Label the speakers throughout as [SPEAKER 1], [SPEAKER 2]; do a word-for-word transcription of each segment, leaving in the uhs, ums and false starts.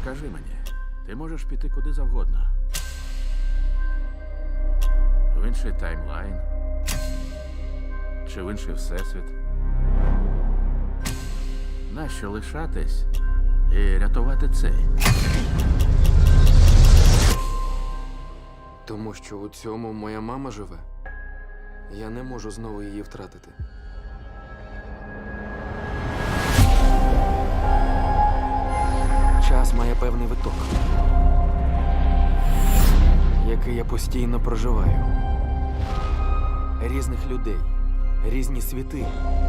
[SPEAKER 1] Скажи мені, ти можеш піти куди завгодно. В інший таймлайн. Чи в інший всесвіт. Нащо лишатись і рятувати цей?
[SPEAKER 2] Тому що у цьому моя мама живе. Я не можу знову її втратити. Час має певний виток, який я постійно проживаю. Різних людей, різні світи.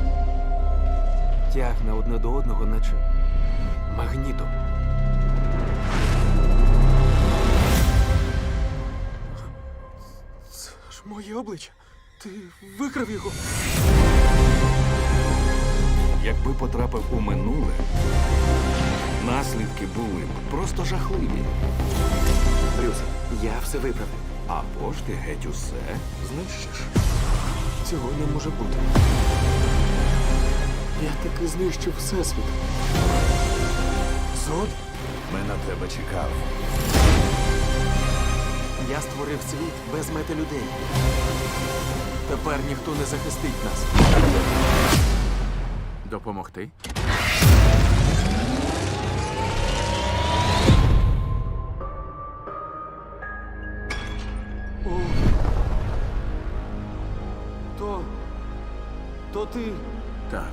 [SPEAKER 2] Тягне одне до одного, наче магнітом. Це ж моє обличчя. Ти викрав його.
[SPEAKER 3] Якби потрапив у минуле, наслідки були б просто жахливі.
[SPEAKER 2] Брюс, я все виправив.
[SPEAKER 3] Або ж ти геть усе знищиш.
[SPEAKER 2] Цього не може бути. Я таки знищив всесвіт. Зод?
[SPEAKER 3] Ми на тебе чекав.
[SPEAKER 2] Я створив світ без мети людей. Тепер ніхто не захистить нас.
[SPEAKER 1] Допомогти?
[SPEAKER 2] О. То... То ти...
[SPEAKER 1] Так.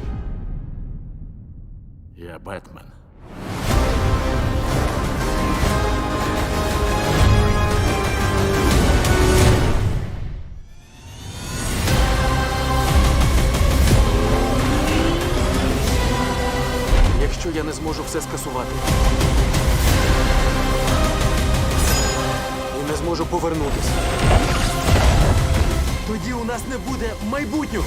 [SPEAKER 1] Я Бетмен.
[SPEAKER 2] Якщо я не зможу все скасувати і не зможу повернутися, тоді у нас не буде майбутнього.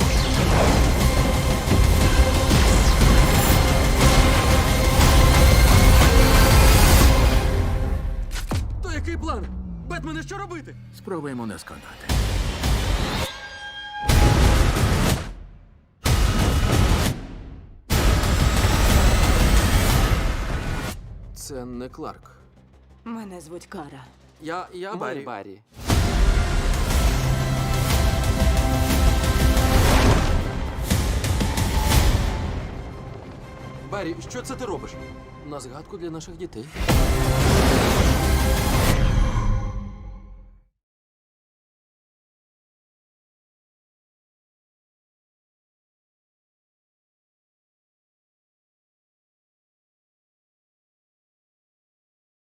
[SPEAKER 2] То який план? Бетмене, що робити?
[SPEAKER 1] Спробуємо не сконати.
[SPEAKER 2] Це не Кларк.
[SPEAKER 4] Мене звуть Кара.
[SPEAKER 2] Я, я Барі. Барі. Барі, що це ти робиш? На згадку для наших дітей.